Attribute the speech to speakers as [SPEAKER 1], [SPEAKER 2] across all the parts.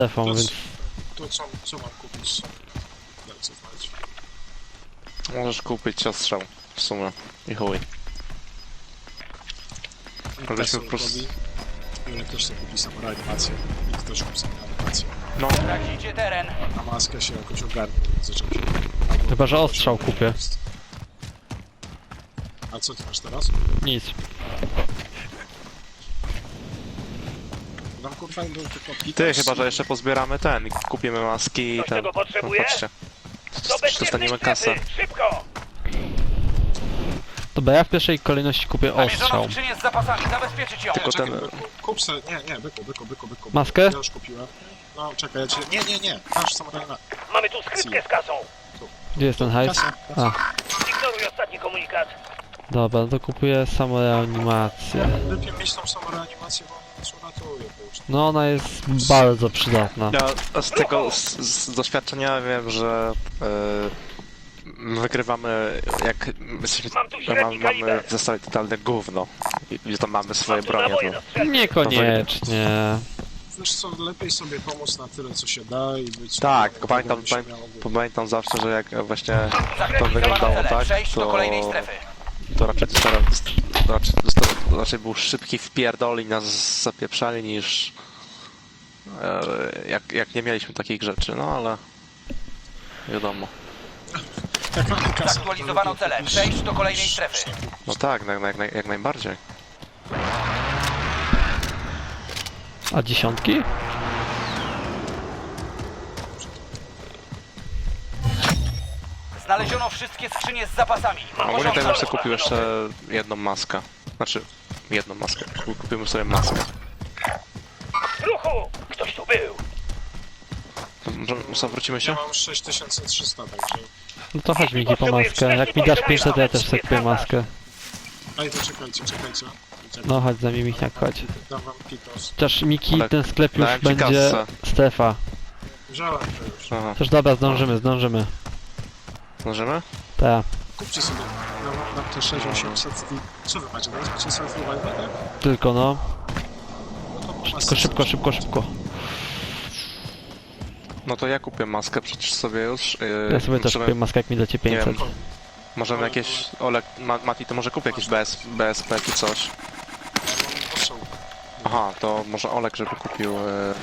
[SPEAKER 1] telefon,
[SPEAKER 2] To,
[SPEAKER 1] więc...
[SPEAKER 2] to co mam kupić? Jak co znaleźć?
[SPEAKER 3] Możesz kupić ostrzał w sumie i chuj. Żebyśmy po prostu...
[SPEAKER 2] Jurek też sobie kupi samą reanimację. I ktoś kupi samą reanimację.
[SPEAKER 3] No,
[SPEAKER 4] Tracicie teren.
[SPEAKER 2] Na maskę się jakoś ogarnie, zaczął się...
[SPEAKER 1] Chyba, że ostrzał kupię.
[SPEAKER 2] A co ty masz teraz?
[SPEAKER 1] Nic.
[SPEAKER 2] Nam kurwa był tylko
[SPEAKER 3] ty
[SPEAKER 2] Peters.
[SPEAKER 3] chyba, że jeszcze pozbieramy ten i kupimy maski i
[SPEAKER 4] Ktoś
[SPEAKER 3] ten...
[SPEAKER 4] tego potrzebuje?
[SPEAKER 3] No, patrzcie.
[SPEAKER 4] Do
[SPEAKER 3] Dostaniemy
[SPEAKER 4] bezpiecznej
[SPEAKER 3] kasę.
[SPEAKER 4] strefy! Szybko!
[SPEAKER 1] Dobra, ja w pierwszej kolejności kupię ostrzał.
[SPEAKER 4] Namierzono skrzynię z zapasami, zabezpieczyć ją!
[SPEAKER 3] Tylko
[SPEAKER 2] Czekaj,
[SPEAKER 3] ten-
[SPEAKER 2] byku, kup se... Nie, byku.
[SPEAKER 1] Maskę?
[SPEAKER 2] Ja już kupiłem. No, czekaj, ja cię... Nie, masz samą reanimację.
[SPEAKER 4] Mamy tu skrytkę z kasą!
[SPEAKER 1] Gdzie jest ten hajs?
[SPEAKER 2] Kasa.
[SPEAKER 1] A,
[SPEAKER 4] Ignoruj ostatni komunikat.
[SPEAKER 1] dobra, to kupuję samoreanimację.
[SPEAKER 2] Lepiej mieć tą samą reanimację, bo ona nas uratuje.
[SPEAKER 1] No ona jest bardzo przydatna.
[SPEAKER 3] Ja z tego, z doświadczenia wiem, że wygrywamy jak jesteśmy,
[SPEAKER 4] Mam tu średni
[SPEAKER 3] mamy
[SPEAKER 4] kaliber.
[SPEAKER 3] w zestawie totalne gówno i tam mamy swoje
[SPEAKER 4] Mam tu
[SPEAKER 3] bronie,
[SPEAKER 4] naboje
[SPEAKER 3] to
[SPEAKER 4] na strzelbę.
[SPEAKER 1] Niekoniecznie.
[SPEAKER 2] Wiesz co, lepiej sobie pomóc na tyle, co się da i być...
[SPEAKER 3] tak,
[SPEAKER 2] tego,
[SPEAKER 3] pamiętam,
[SPEAKER 2] żeby się miało być.
[SPEAKER 3] pamiętam zawsze, że jak właśnie to
[SPEAKER 4] Zakreślić
[SPEAKER 3] wyglądało
[SPEAKER 4] cele.
[SPEAKER 3] tak,
[SPEAKER 4] Przejść do kolejnej strefy.
[SPEAKER 3] to raczej był szybki wpierdol i nas zapieprzali niż jak nie mieliśmy takich rzeczy, no ale wiadomo.
[SPEAKER 2] Jak mamy kasę,
[SPEAKER 4] Zaktualizowano
[SPEAKER 2] to lepiej
[SPEAKER 4] cele.
[SPEAKER 2] kupić-
[SPEAKER 4] Przejść do kolejnej strefy.
[SPEAKER 3] No tak, jak najbardziej.
[SPEAKER 1] A dziesiątki?
[SPEAKER 4] Znaleziono wszystkie skrzynie z zapasami. Mam
[SPEAKER 3] Ogólnie ten
[SPEAKER 4] pistolet
[SPEAKER 3] jeszcze kupił
[SPEAKER 4] maszynowy.
[SPEAKER 3] jeszcze jedną maskę. Znaczy, jedną maskę. Kupimy sobie maskę.
[SPEAKER 4] W ruchu! Ktoś tu był!
[SPEAKER 3] To może zawrócimy się?
[SPEAKER 2] Ja mam 6300, także...
[SPEAKER 1] No to chodź Miki po maskę. Jak mi dasz 500, to ja też sobie kupię maskę.
[SPEAKER 2] Ej, to czekajcie.
[SPEAKER 1] No chodź za mnie Michniak, chodź.
[SPEAKER 2] Dam wam pitos.
[SPEAKER 1] Chociaż Miki,
[SPEAKER 3] Ale
[SPEAKER 1] ten sklep już
[SPEAKER 3] dałem ci
[SPEAKER 1] będzie
[SPEAKER 3] kasę.
[SPEAKER 1] strefa.
[SPEAKER 2] Wziąłem to już.
[SPEAKER 3] Aha.
[SPEAKER 1] Też dobra, zdążymy.
[SPEAKER 3] Możemy?
[SPEAKER 1] Tak,
[SPEAKER 2] Kupcie sobie. Dam te 6800 i... Co wy macie? Macie sobie revival, tak?
[SPEAKER 1] tylko no.
[SPEAKER 2] No to po
[SPEAKER 1] Tylko
[SPEAKER 2] masce
[SPEAKER 1] szybko.
[SPEAKER 3] No to ja kupię maskę przecież sobie już.
[SPEAKER 1] Ja sobie też
[SPEAKER 3] możemy-
[SPEAKER 1] kupię maskę, jak mi dacie 500.
[SPEAKER 3] wiem. Możemy jakieś... Olek, Mati, to może kupię jakieś BSP czy coś.
[SPEAKER 2] Ja mam ostrzał.
[SPEAKER 3] Aha, to może Olek, żeby kupił...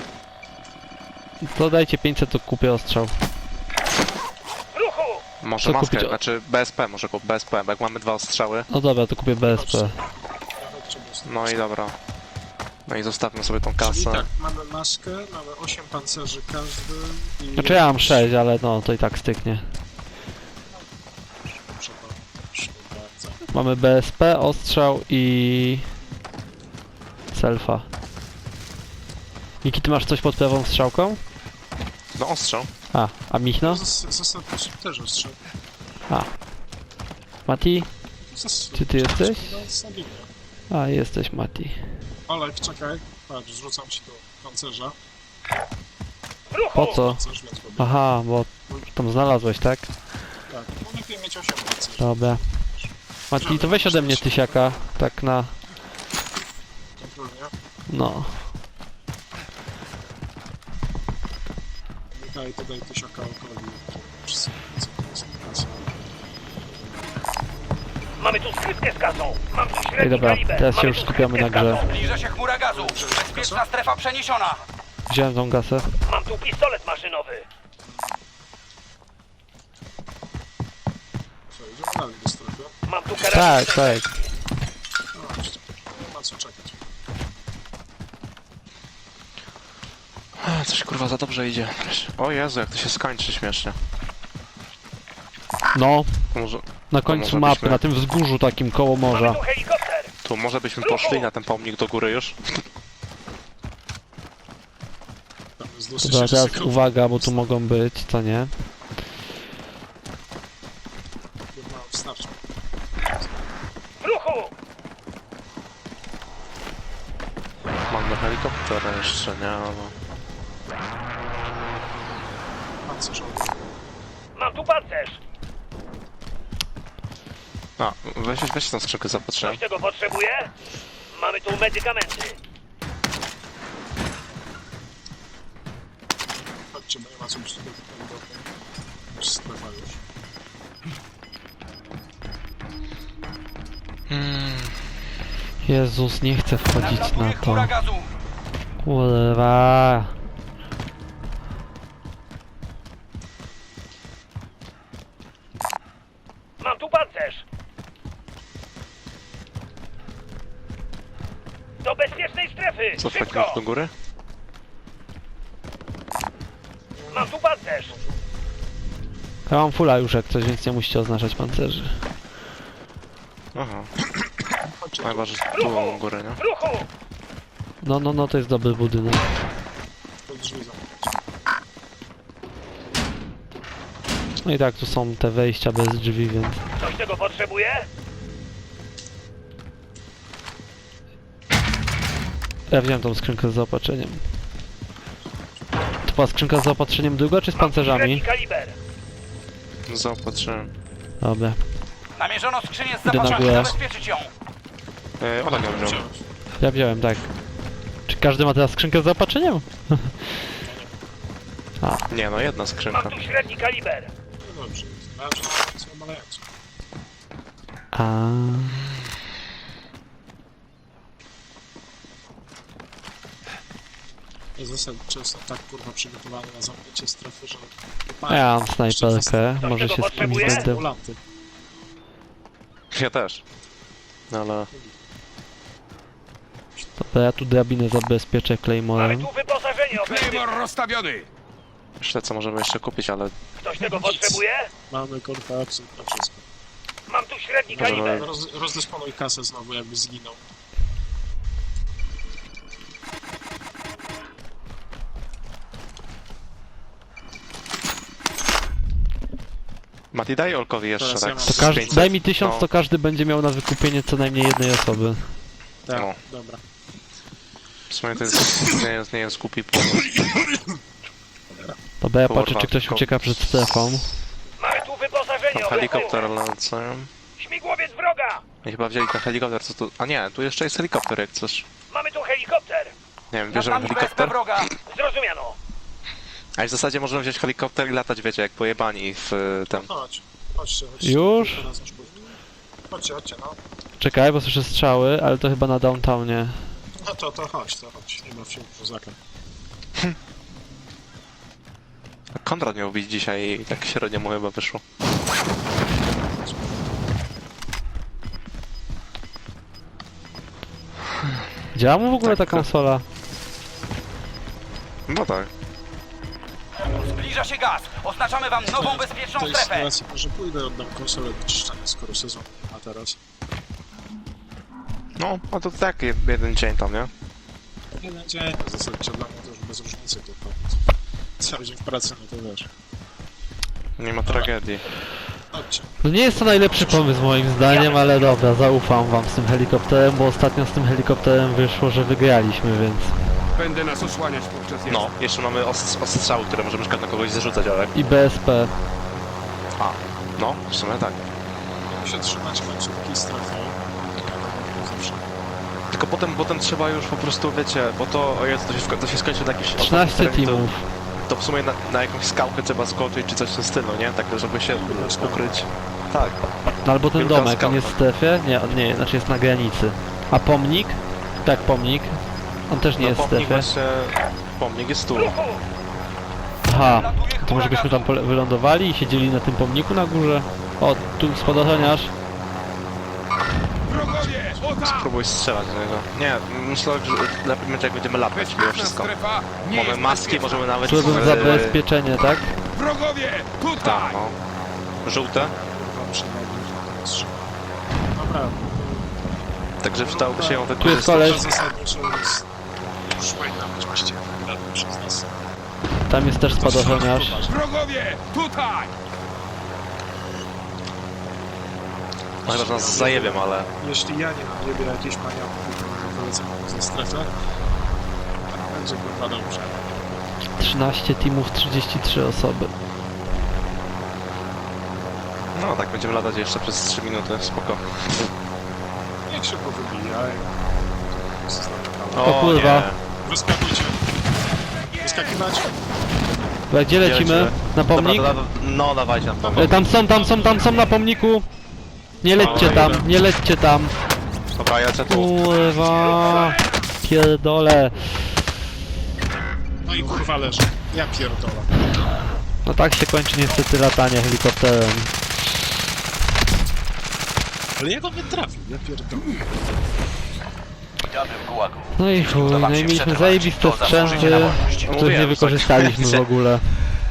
[SPEAKER 1] To dajcie 500, to kupię ostrzał.
[SPEAKER 4] W ruchu!
[SPEAKER 3] może
[SPEAKER 1] Co
[SPEAKER 3] maskę,
[SPEAKER 1] kupić?
[SPEAKER 3] znaczy BSP może kupić, BSP, bo jak mamy dwa ostrzały.
[SPEAKER 1] No dobra, to kupię BSP.
[SPEAKER 2] Nawet trzeba jest.
[SPEAKER 3] No i dobra. No i zostawmy sobie tą
[SPEAKER 2] Czyli
[SPEAKER 3] kasę.
[SPEAKER 2] tak, mamy maskę, mamy 8 pancerzy każdy i...
[SPEAKER 1] Znaczy ja mam 6, ale no to i tak styknie.
[SPEAKER 2] Proszę bardzo.
[SPEAKER 1] Mamy BSP, ostrzał i... selfa. Miki, ty masz coś pod prawą strzałką?
[SPEAKER 3] No ostrzał.
[SPEAKER 1] A Michno?
[SPEAKER 2] Zasadniczo też ostrzał.
[SPEAKER 1] Mati? Czy ty jesteś?
[SPEAKER 2] Stabilnie.
[SPEAKER 1] A, jesteś Mati.
[SPEAKER 2] Olek, czekaj. Patrz, zrzucam ci do pancerza.
[SPEAKER 4] W ruchu!
[SPEAKER 1] Po co?
[SPEAKER 2] Pancerz, więc robię.
[SPEAKER 1] Aha, bo tam znalazłeś, tak?
[SPEAKER 2] Tak, no lepiej mieć 8 pancerzy.
[SPEAKER 1] Dobra. Mati, to weź ode mnie tysiaka, tak na...
[SPEAKER 2] Kontrolnie.
[SPEAKER 1] no.
[SPEAKER 2] Daj tysiaka okoli. Wszyscy wiedzą, co jest kasa.
[SPEAKER 4] Mamy tu skrytkę z kasą! Mam tu
[SPEAKER 1] Ej,
[SPEAKER 4] średni
[SPEAKER 1] dobra,
[SPEAKER 4] kaliber!
[SPEAKER 1] teraz się
[SPEAKER 4] Mamy
[SPEAKER 1] już
[SPEAKER 4] tu
[SPEAKER 1] skupiamy
[SPEAKER 4] skrytkę
[SPEAKER 1] na
[SPEAKER 4] z
[SPEAKER 1] grze.
[SPEAKER 4] kasą. Zbliża się chmura gazu! Bezpieczna strefa przeniesiona!
[SPEAKER 1] Wziąłem tą gasę.
[SPEAKER 4] Mam tu pistolet maszynowy!
[SPEAKER 2] Co, idziemy dalej do strefy?
[SPEAKER 4] Mam tu karabin!
[SPEAKER 1] Tak.
[SPEAKER 2] No, jeszcze. Nie ma co czekać.
[SPEAKER 3] Coś kurwa za dobrze idzie. O Jezu, jak to się skończy śmiesznie.
[SPEAKER 1] No,
[SPEAKER 3] To może,
[SPEAKER 1] na końcu
[SPEAKER 3] może
[SPEAKER 1] mapy,
[SPEAKER 3] byśmy-
[SPEAKER 1] na tym wzgórzu takim koło
[SPEAKER 4] Mamy
[SPEAKER 1] morza.
[SPEAKER 4] tu helikopter!
[SPEAKER 3] tu może byśmy poszli na ten pomnik do góry już?
[SPEAKER 2] Tam jest dosyć
[SPEAKER 1] Dobra, teraz
[SPEAKER 2] ryzykowne.
[SPEAKER 1] uwaga, bo tu mogą być, co nie?
[SPEAKER 2] No, wstarczy.
[SPEAKER 4] W ruchu!
[SPEAKER 3] Mamy helikopter jeszcze, nie? No.
[SPEAKER 2] Pancerzowy.
[SPEAKER 4] Mam tu pancerz!
[SPEAKER 3] A, weź tą skrzynkę zapatrzę.
[SPEAKER 4] Ktoś tego potrzebuje? Mamy tu medykamenty!
[SPEAKER 2] chodźcie, bo nie ma co być tutaj do już strefa już.
[SPEAKER 1] Jezus, nie chcę wchodzić na
[SPEAKER 4] Nadlatuje
[SPEAKER 1] to.
[SPEAKER 4] chmura gazu.
[SPEAKER 1] Kurwa.
[SPEAKER 4] Mam tu pancerz. Do bezpiecznej strefy.
[SPEAKER 3] Co, wchodzimy
[SPEAKER 4] Szybko.
[SPEAKER 3] już do góry?
[SPEAKER 4] Mam tu pancerz.
[SPEAKER 1] Ja mam fulla już jak coś, więc nie musicie oznaczać pancerzy.
[SPEAKER 3] Aha,
[SPEAKER 2] Chodźcie,
[SPEAKER 3] chyba, że tu u góry, nie?
[SPEAKER 4] W ruchu.
[SPEAKER 1] No, to jest dobry budynek.
[SPEAKER 2] pod drzwi zamknąć.
[SPEAKER 1] No i tak, tu są te wejścia bez drzwi, więc...
[SPEAKER 4] Ktoś tego potrzebuje?
[SPEAKER 1] Ja wziąłem tą skrzynkę z zaopatrzeniem. To była skrzynka z zaopatrzeniem długo, czy z pancerzami?
[SPEAKER 4] Średni kaliber.
[SPEAKER 3] Zaopatrzyłem.
[SPEAKER 1] Dobra.
[SPEAKER 4] Namierzono skrzynię z
[SPEAKER 1] Idę na
[SPEAKER 4] zapasami.
[SPEAKER 1] górę.
[SPEAKER 4] Zabezpieczyć ją.
[SPEAKER 3] Oleg ją wziął.
[SPEAKER 1] Ja wziąłem, tak. Czy każdy ma teraz skrzynkę z zaopatrzeniem?
[SPEAKER 3] Nie no, jedna skrzynka.
[SPEAKER 4] Mam tu średni kaliber.
[SPEAKER 2] No dobrze, co malejąco.
[SPEAKER 1] A.
[SPEAKER 2] Ja zostałem często tak kurwa przygotowany na zamknięcie strefy, że...
[SPEAKER 1] Ja mam snajperkę, może się z kimś będę...
[SPEAKER 2] Ulanty.
[SPEAKER 3] Ja też. No ale...
[SPEAKER 1] Dobra, ja tu drabinę zabezpieczę
[SPEAKER 4] Mamy
[SPEAKER 1] Claymorem.
[SPEAKER 4] tu wyposażenie ofensywne.
[SPEAKER 5] Claymore rozstawiony!
[SPEAKER 3] Myślę, co możemy jeszcze kupić, ale...
[SPEAKER 4] Ktoś tego potrzebuje?
[SPEAKER 2] Mamy kurwa absolutnie wszystko.
[SPEAKER 4] Mam tu średni
[SPEAKER 3] Możemy-
[SPEAKER 4] kaliber.
[SPEAKER 2] Rozdysponuj kasę znowu, jakby zginął.
[SPEAKER 3] Mati, daj Olkowi jeszcze
[SPEAKER 2] Teraz
[SPEAKER 3] tak
[SPEAKER 2] ja mam-
[SPEAKER 3] z
[SPEAKER 1] To każdy,
[SPEAKER 3] 500.
[SPEAKER 1] daj mi 1000,
[SPEAKER 3] No.
[SPEAKER 1] to każdy będzie miał na wykupienie co najmniej jednej osoby.
[SPEAKER 2] Tak,
[SPEAKER 3] No.
[SPEAKER 2] dobra.
[SPEAKER 3] W sumie to jest... nie jest głupi pomysł.
[SPEAKER 1] Dobra, ja
[SPEAKER 3] Kurwa,
[SPEAKER 1] patrzę, czy ktoś
[SPEAKER 3] tylko-
[SPEAKER 1] ucieka przed strefą.
[SPEAKER 4] Mamy tu wyposażenie
[SPEAKER 3] Helikopter
[SPEAKER 4] ofensywne.
[SPEAKER 3] lecę.
[SPEAKER 4] Śmigłowiec wroga.
[SPEAKER 3] I chyba wzięli ten helikopter, co tu... A nie, tu jeszcze jest helikopter, jak chcesz.
[SPEAKER 4] Mamy tu helikopter.
[SPEAKER 3] Nie wiem,
[SPEAKER 4] Nad
[SPEAKER 3] bierzemy
[SPEAKER 4] nami BSP
[SPEAKER 3] helikopter.
[SPEAKER 4] wroga. Zrozumiano.
[SPEAKER 3] A w zasadzie możemy wziąć helikopter i latać, wiecie, jak pojebani w ten...
[SPEAKER 2] Chodźcie.
[SPEAKER 1] Już?
[SPEAKER 2] Teraz nasz punkt. Chodźcie, no.
[SPEAKER 1] Czekaj, bo słyszę strzały, ale to chyba na downtownie.
[SPEAKER 2] No to chodź. Nie baw się w kozaka.
[SPEAKER 3] Konrad miał być dzisiaj i tak średnio mu chyba wyszło.
[SPEAKER 1] Działa mu w ogóle ta
[SPEAKER 3] Tak, tak.
[SPEAKER 1] konsola?
[SPEAKER 3] No tak.
[SPEAKER 4] Zbliża się gaz. Oznaczamy wam nową bezpieczną
[SPEAKER 2] W tej
[SPEAKER 4] strefę.
[SPEAKER 2] sytuacji może pójdę, oddam konsolę do czyszczenia, skoro sezon nie ma teraz.
[SPEAKER 3] No, a to tak, jeden dzień tam, nie?
[SPEAKER 2] Jeden dzień, w zasadzie dla mnie to już bez różnicy tylko. Cały dzień w pracy, no to wiesz.
[SPEAKER 3] Nie ma tragedii.
[SPEAKER 2] Chodźcie.
[SPEAKER 1] No nie jest to najlepszy pomysł moim zdaniem, ale dobra, zaufam wam z tym helikopterem, bo ostatnio z tym helikopterem wyszło, że wygraliśmy, więc...
[SPEAKER 5] Będę nas osłaniać podczas jazdy.
[SPEAKER 3] No, jeszcze mamy ostrzały, które możemy na kogoś zarzucać, ale...
[SPEAKER 1] I BSP.
[SPEAKER 3] A, no, w sumie tak.
[SPEAKER 2] Muszę trzymać końcówki strefy. Zawsze.
[SPEAKER 3] Tylko potem trzeba już po prostu, wiecie, bo to, o Jezu, to się skończy na jakimś...
[SPEAKER 1] 13
[SPEAKER 3] terenie,
[SPEAKER 1] teamów.
[SPEAKER 3] To w sumie na jakąś skałkę trzeba skoczyć, czy coś w tym stylu, nie? Tak, żeby się ukryć. Tak.
[SPEAKER 1] No albo ten
[SPEAKER 3] Wielka
[SPEAKER 1] domek, on
[SPEAKER 3] skała.
[SPEAKER 1] jest w strefie? Nie, znaczy jest na granicy. A pomnik? Tak, pomnik. On też nie
[SPEAKER 3] No
[SPEAKER 1] jest w
[SPEAKER 3] pomnik
[SPEAKER 1] strefie.
[SPEAKER 3] właśnie... Pomnik jest tu.
[SPEAKER 1] Aha, to może byśmy tam wylądowali i siedzieli na tym pomniku na górze? O, tu spadochroniarz.
[SPEAKER 5] Wrogowie! O tam!
[SPEAKER 3] Próbuj strzelać do niego. Nie, myślę, że lepiej będzie jak będziemy latać mimo
[SPEAKER 5] Bezpieczna
[SPEAKER 3] wszystko.
[SPEAKER 5] strefa nie
[SPEAKER 3] Mamy
[SPEAKER 5] jest
[SPEAKER 3] maski,
[SPEAKER 5] bezpieczna.
[SPEAKER 3] możemy nawet...
[SPEAKER 1] Szedłem zabezpieczenie, tak?
[SPEAKER 5] Wrogowie!
[SPEAKER 3] Tak,
[SPEAKER 5] Tutaj!
[SPEAKER 3] no. Żółte.
[SPEAKER 2] Kurwa, przynajmniej to strzał. Dobra,
[SPEAKER 3] Także przydałoby się ją
[SPEAKER 1] Tu jest
[SPEAKER 3] wykorzystać.
[SPEAKER 1] koleś,
[SPEAKER 2] to zasadniczo jest... Już powinna być właściwie wygrana przez nas.
[SPEAKER 1] tam jest też spadochroniarz.
[SPEAKER 5] Wrogowie! Tutaj!
[SPEAKER 3] No chyba, że nas zajebią, ale...
[SPEAKER 2] Jeśli ja nie mam niebie jakieś maniaków, to wylecę ze strefę. Tak będzie kurwa dobrze.
[SPEAKER 1] 13 teamów, 33 osoby.
[SPEAKER 3] No tak, będziemy latać jeszcze przez 3 minuty, spoko.
[SPEAKER 2] Niech się powybijaj.
[SPEAKER 1] O kurwa.
[SPEAKER 3] nie.
[SPEAKER 2] Wyskakujcie. Wyskakiwać.
[SPEAKER 1] Dobra, gdzie lecimy? Na pomnik?
[SPEAKER 3] Dobra, no dawajcie na pomnik.
[SPEAKER 1] Tam są na pomniku! Nie lećcie tam, nie lećcie tam!
[SPEAKER 3] Dobra, ja lecę tu.
[SPEAKER 1] Kurwa! Pierdolę!
[SPEAKER 2] No i kurwa leży. Ja pierdolę.
[SPEAKER 1] No tak się kończy niestety latanie helikopterem.
[SPEAKER 2] Ale jak on mnie trafił? Ja pierdolę.
[SPEAKER 4] Witamy w Gułagu.
[SPEAKER 1] No i chuj, no i mieliśmy zajebiste sprzęty, których nie wykorzystaliśmy w ogóle.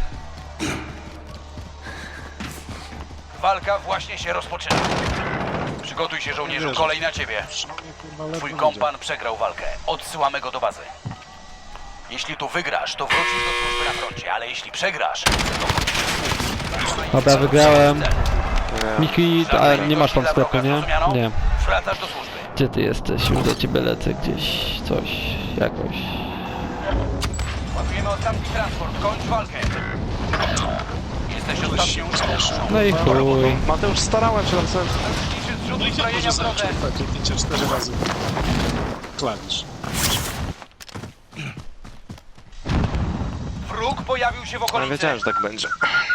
[SPEAKER 4] Walka właśnie się rozpoczyna. Przygotuj się, żołnierzu, kolej na ciebie.
[SPEAKER 2] Przynajmniej kurwa ledwo
[SPEAKER 4] Twój
[SPEAKER 2] idzie.
[SPEAKER 4] kompan przegrał walkę. Odsyłamy go do bazy. Jeśli tu wygrasz, to wrócisz do służby na froncie, ale jeśli przegrasz, to wrócisz.
[SPEAKER 1] Dobra, wygrałem. Miki, a
[SPEAKER 4] Żadnego
[SPEAKER 1] nie masz tam
[SPEAKER 4] killa
[SPEAKER 1] sklepu,
[SPEAKER 4] wroga,
[SPEAKER 1] nie?
[SPEAKER 4] zrozumiano?
[SPEAKER 1] Nie.
[SPEAKER 4] Wracasz do służby.
[SPEAKER 1] Gdzie ty jesteś? Już do ciebie lecę gdzieś, coś, jakoś.
[SPEAKER 4] Ładujemy ostatni transport. Kończ walkę. Jesteś ostatnią osobą.
[SPEAKER 1] No i chuj.
[SPEAKER 3] Mateusz, starałem się tam sobie...
[SPEAKER 4] Liczy zrzut
[SPEAKER 2] No i ja
[SPEAKER 4] uzbrojenia
[SPEAKER 2] może
[SPEAKER 4] w drodze.
[SPEAKER 2] zacząć kliknięcie 4 razy. Klawisz.
[SPEAKER 4] Wróg pojawił się w
[SPEAKER 3] Ale
[SPEAKER 4] okolicy.
[SPEAKER 3] wiedziałem, że tak będzie.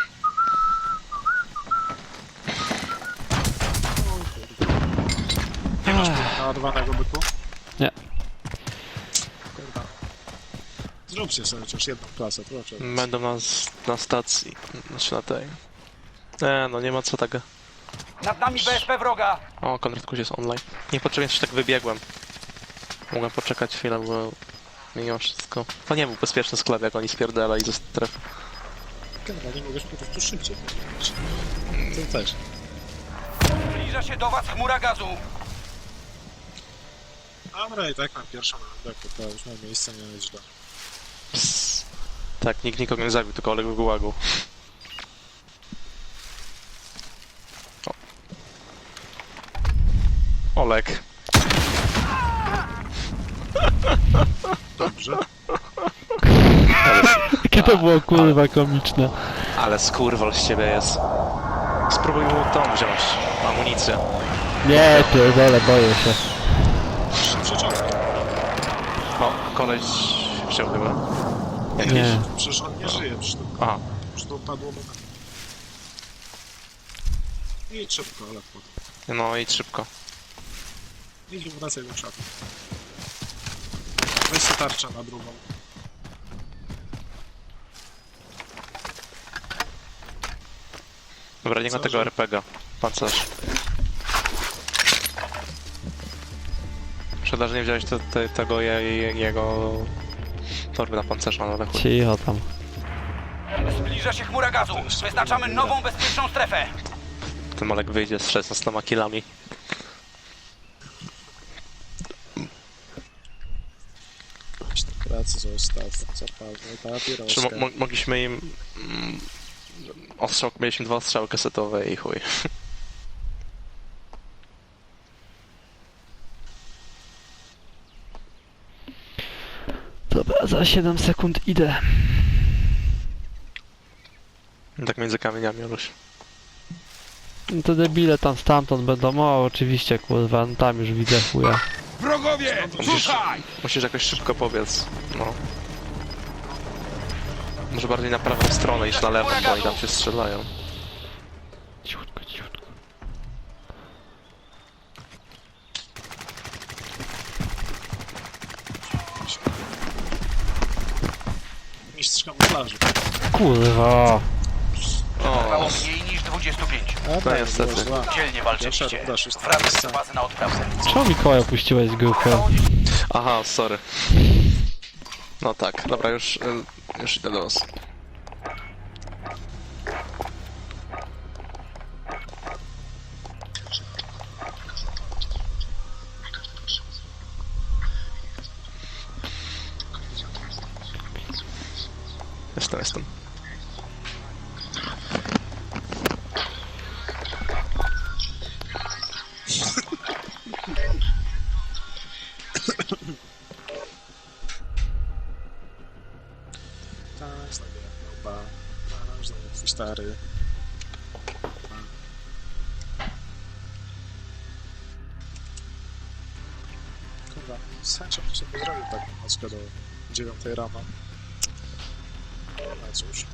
[SPEAKER 2] Nie masz tu naładowanego byku?
[SPEAKER 1] Nie.
[SPEAKER 2] Kurwa. Zróbcie sobie chociaż jedną klasę, proszę.
[SPEAKER 3] Będą na stacji, znaczy na tej. No nie ma co tak.
[SPEAKER 4] Nad nami BSP wroga.
[SPEAKER 3] O, Konrad Kuś jest online. Niepotrzebnie się tak wybiegłem. Mogłem poczekać chwilę, bo mimo wszystko. To nie był bezpieczny sklep, jak oni spierdalali ze strefy.
[SPEAKER 2] Generalnie mogłeś po prostu szybciej powiedzieć. To też.
[SPEAKER 4] Zbliża się do was chmura gazu.
[SPEAKER 2] Dobra, i tak mam pierwszą rundę, to już mam miejsce, nie jest źle.
[SPEAKER 3] Psst. Tak, nikt nikogo nie zabił, tylko Oleg Gułagu. O. Oleg.
[SPEAKER 2] Dobrze.
[SPEAKER 1] Jakie to było kurwa komiczne.
[SPEAKER 3] Ale skurwol z ciebie jest. Spróbuj mu tą wziąć, amunicję.
[SPEAKER 1] Nie, pierdolę, boję się.
[SPEAKER 2] Przyczepkę.
[SPEAKER 3] No, koleś wziął chyba.
[SPEAKER 1] Nie.
[SPEAKER 2] Przecież on nie żyje, przecież to,
[SPEAKER 3] Aha,
[SPEAKER 2] przecież to padło mu na... I szybko, ale potem.
[SPEAKER 3] no idź szybko.
[SPEAKER 2] Idź wracaj do szatu. Weź sobie tarczę na drugą.
[SPEAKER 3] Dobra, nie ma
[SPEAKER 2] Co,
[SPEAKER 3] tego
[SPEAKER 2] że-
[SPEAKER 3] RPG. Pancerz. Szkoda, że nie wziąłeś tego jego torby na pancerza, ale chuj.
[SPEAKER 1] Cicho tam.
[SPEAKER 4] Zbliża się chmura gazu. Wyznaczamy nową bezpieczną strefę.
[SPEAKER 3] Ten Oleg wyjdzie z 16 killami.
[SPEAKER 2] Weź tę pracę zostaw, zapalmy
[SPEAKER 3] Czy
[SPEAKER 2] papieroskę.
[SPEAKER 3] mogliśmy im... mieliśmy 2 ostrzały kasetowe i chuj.
[SPEAKER 1] Dobra, za 7 sekund idę.
[SPEAKER 3] Tak między kamieniami, Oluś.
[SPEAKER 1] No te debile tam stamtąd będą, o oczywiście kurwa, no tam już widzę chuja.
[SPEAKER 5] Wrogowie, tutaj!
[SPEAKER 3] Musisz jakoś szybko powiedz. No. Może bardziej na prawą stronę iść na lewo, bo oni tam się strzelają.
[SPEAKER 1] Cichutko, cichutko.
[SPEAKER 2] Mistrz kamuflażu.
[SPEAKER 1] Kurwa.
[SPEAKER 4] Trwało
[SPEAKER 3] O,
[SPEAKER 4] mniej niż 25.
[SPEAKER 2] A tak,
[SPEAKER 3] niestety.
[SPEAKER 2] było zła.
[SPEAKER 4] Dzielnie walczyliście.
[SPEAKER 2] Pierwsza runda, szósta
[SPEAKER 4] Wracaj
[SPEAKER 2] miejsce.
[SPEAKER 4] do bazy na odprawę.
[SPEAKER 1] Czemu Mikołaj opuściłeś grupę?
[SPEAKER 3] aha, sorry. No tak, dobra, już idę do was. Jestem.
[SPEAKER 2] Tak, znowu jak miał znowu twój stary. Kurwa, z chęcią sobie zrobił taką nockę do 9 rano. No cóż.